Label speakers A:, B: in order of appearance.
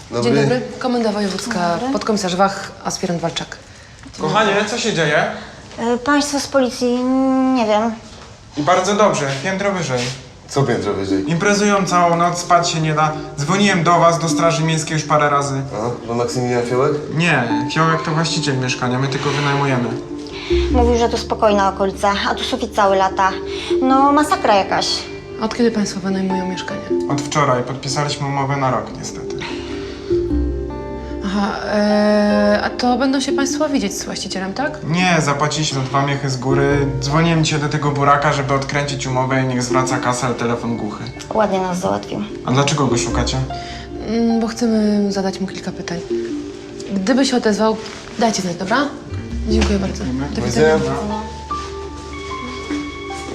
A: Dobry.
B: Dzień dobry. Komenda wojewódzka, podkomisarz Wach, aspirant Walczak.
C: Kochanie, co się dzieje?
D: Państwo z policji, nie wiem.
C: I bardzo dobrze, piętro wyżej.
A: Co piętro wyżej?
C: Imprezują całą noc, spać się nie da. Dzwoniłem do was, do Straży Miejskiej już parę razy.
A: A, to Maksymilian Fiołek?
C: Nie, Fiołek to właściciel mieszkania, my tylko wynajmujemy.
D: Mówił, że to spokojna okolica, a tu sufit cały lata. No, masakra jakaś.
B: Od kiedy państwo wynajmują mieszkanie?
C: Od wczoraj podpisaliśmy umowę na rok, niestety.
B: Aha, a to będą się państwo widzieć z właścicielem, tak?
C: Nie, zapłaciliśmy 2 miechy z góry. Dzwoniłem dzisiaj do tego buraka, żeby odkręcić umowę i niech zwraca kasę, ale telefon głuchy.
D: Ładnie nas załatwił.
C: A dlaczego go szukacie?
B: Bo chcemy zadać mu kilka pytań. Gdyby się odezwał, dajcie znać, dobra? Dziękuję bardzo. Do
A: widzenia.
B: widzenia.
D: No.